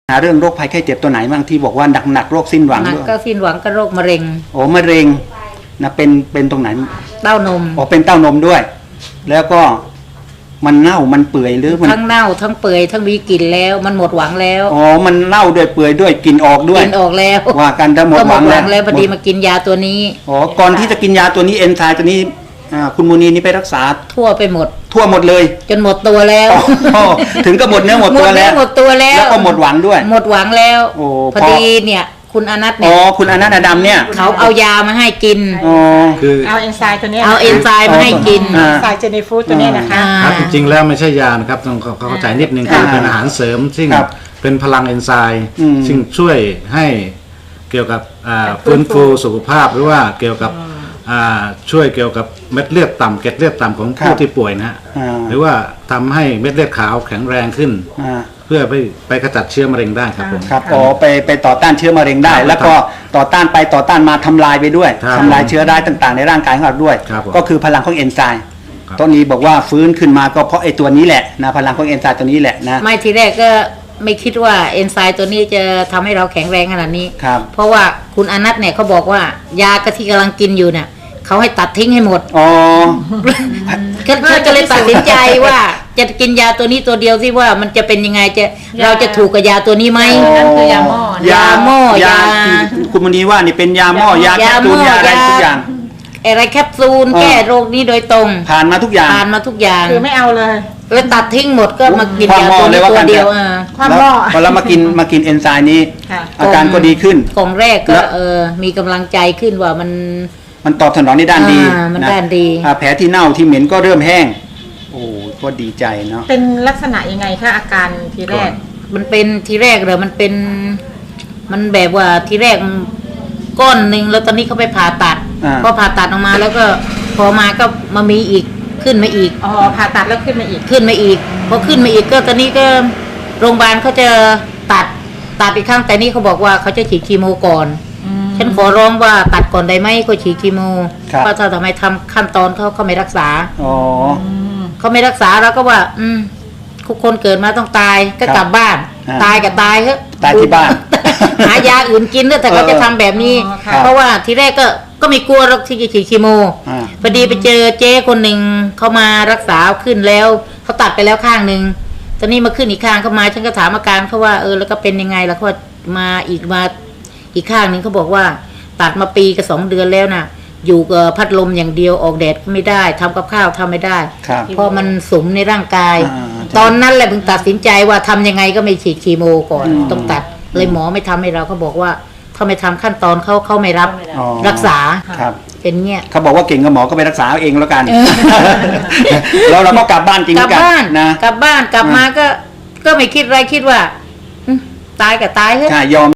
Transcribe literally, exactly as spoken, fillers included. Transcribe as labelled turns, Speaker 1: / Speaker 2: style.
Speaker 1: หาเรื่องโรคภัยไข้เจ็บตัวไหนบ้างที่บอกว่าหนักๆโรคสิ้นหวังด้วย
Speaker 2: ก็สิ้นหวังก็โรคมะเร็ง
Speaker 1: โอ้มะเร็งนะเป็นเป็นตรงไหน
Speaker 2: เต้านม
Speaker 1: อ๋อเป็นเต้านมด้วยแล้วก็มันเน่ามันเปื่อยหรือมัน
Speaker 2: ทั้งเน่าทั้งเปื่อยทั้งมีกลิ่นแล้วมันหมดหวังแล้ว
Speaker 1: อ๋อมันเน่าด้วยเปื่อยด้วยกลิ่นออกด้วย
Speaker 2: กลิ่นออกแล้ว
Speaker 1: ว่ากันถ้าหมดหวัง
Speaker 2: แล้วพอดีมากินยาตัวนี้
Speaker 1: อ๋อก่อนที่จะกินยาตัวนี้เอนไซม์ตัวนี้คุณมูนีนี่ไปรักษา
Speaker 2: ทั่วไปหมด
Speaker 1: ทั่วหมดเลย
Speaker 2: จนหมดตัวแล้ว
Speaker 1: ถึงก็หมดเนื้อหมดตัวแล้ว
Speaker 2: หมดตัวแล้ว
Speaker 1: แล้วก็หมดหวังด้วย
Speaker 2: หมดหวังแล้วพอดีเนี่ยคุณอนัทเนี่ย
Speaker 1: อ๋อคุณอนัทอดัมเนี่ย
Speaker 2: เขาเอายามาให้กิน
Speaker 1: อ๋อ
Speaker 3: คือ
Speaker 4: เอาเอนไซม์ตัวนี้
Speaker 2: เอาเอนไซม์มาให้กิน
Speaker 4: เอนไซม์เจนีฟูดตัวนี้นะคะ
Speaker 3: ครับจริงๆแล้วไม่ใช่ยานะครับต้องเข้าใจนิดนึงคือเป็นอาหารเสริมซึ่งเป็นพลังเอนไซม์ซึ่งช่วยให้เกี่ยวกับฟื้นฟูสุขภาพหรือว่าเกี่ยวกับช่วยเกี่ยวกับเม็ดเลือดต่ำเกล็ดเลือดต่ำของผู้ที่ป่วยนะฮะหรือว่าทำให้เม็ดเลือดขาวแข็งแรงขึ้นเพื่อไปไปขจัดเชื้อมะเร็งได้ครับผม
Speaker 1: ครับอ๋อไปไปต่อต้านเชื้อมะเร็งได้แล้วก็ต่อต้านไปต่อต้านมาทำลายไปด้วยทำลายเชื้อได้ต่างๆในร่างกายของเราด้วยก็คือพลังของเอนไซม์ต้นนี้บอกว่าฟื้นขึ้นมาก็เพราะไอ้ตัวนี้แหละนะพลังของเอนไซม์ตัวนี้แหละนะ
Speaker 2: ไม่ทีแรกก็ไม่คิดว่าเอนไซม์ตัวนี้จะทำให้เราแข็งแรงขนาดนี้เพราะว่าคุณอนัทเนี่ยเขาบอกว่ายากะทิกำลังกินอยู่เนี่ยเขาให้ตัดทิ้งให้หมดอ๋อก็เลยตัดสินใจว่าจะกินยาตัวนี้ตัวเดียวสิว่ามันจะเป็นยังไงจะเราจะถูกกับยาตัวนี้ไหม
Speaker 4: นั่นคือยาหม้อย
Speaker 1: าหม้อยาคุณมณีว่านี่เป็นยาหม้อยาแคปซูลยาอะไรทุกอย่าง
Speaker 2: อะไรแคปซูลแก้โรคนี้โดยตรง
Speaker 1: ผ่านมาทุกอย่าง
Speaker 2: ผ่านมาทุกอย่าง
Speaker 4: คือไม่เอาเลย
Speaker 2: แล้วตัดทิ้งหมดก็มากินยาตัวนี้ตัวเดียวอ่ะ
Speaker 4: ความหม้อ
Speaker 1: พอเรามากินมากินเอนไซม์นี้อาการก็ดีขึ้น
Speaker 2: กล่องแรกก็เออมีกำลังใจขึ้นว่ามัน
Speaker 1: มันตอบสนองในด้านดี
Speaker 2: มันด้านดี
Speaker 1: แผลที่เน่าที่เหม็นก็เริ่มแห้งโอ้ก็ดีใจเนาะ
Speaker 4: เป็นลักษณะยังไงคะอาการทีแรก
Speaker 2: มันเป็นทีแรกเลยมันเป็นมันแบบว่าทีแรกก้อนหนึ่งแล้วตอนนี้เขาไปผ่าตัดพอผ่าตัดออกมาแล้วก็พอมาก็มามีอีกขึ้นมาอีก
Speaker 4: อ๋อผ่าตัดแล้วขึ้นมาอีก
Speaker 2: ขึ้นมาอีกพอขึ้นมาอีกก็ตอนนี้ก็โรงพยาบาลเขาจะตัดตัดอีกครั้งแต่นี่เขาบอกว่าเขาจะฉีดคีโมก่อนฉันขอร้องว่าตัดก่อนได้ไหมก็ฉีดคีโมเพราะถ้าทำไมทำขั้นตอนเขาเขาไม่รักษา
Speaker 1: อ๋อ
Speaker 2: เขาไม่รักษาเราก็ว่าอืมทุกคนเกิดมาต้องตายก็กลับบ้านตายกับตายเถอะ
Speaker 1: ตายที่บ้าน
Speaker 2: หายาอื่นกินแต่เขาจะทำแบบนี้เพราะว่าทีแรกก็ก็ไม่กลัวหรอกที่จะฉีดคีโมพอดีไปเจอเจ๊คนหนึ่งเขามารักษาขึ้นแล้วเขาตัดไปแล้วข้างหนึ่งตอนนี้มาขึ้นอีกข้างเขามาฉันก็ถามอาการเขาว่าเออแล้วก็เป็นยังไงแล้วก็มาอีกมาอีกข้างหนึ่งเขาบอกว่าตัดมาปีกับสองเดือนแล้วนะอยู่กับพัดลมอย่างเดียวออกแดดก็ไม่ได้ทำกับข้าวทำไม่ได้เพราะมันสุมในร่างกายตอนนั้นแหละเพิ่งตัดสินใจว่าทำยังไงก็ไม่ฉีดคีโมก่อนต้องตัดเลยหมอไม่ทำให้เราเขาบอกว่าถ้าไม่ทำขั้นตอนเขาเขาไม่รับรักษาเป็นเงี้ย
Speaker 1: เขาบอกว่าเก่งกับหมอก็ไปรักษาเองแล้วกันแล้วเราก็กลับบ้านจริงกันนะ
Speaker 2: กลับบ้านกลับมาก็ก็ไม่คิดอะไรคิดว่าตายกับตายเถอะ
Speaker 1: ยอม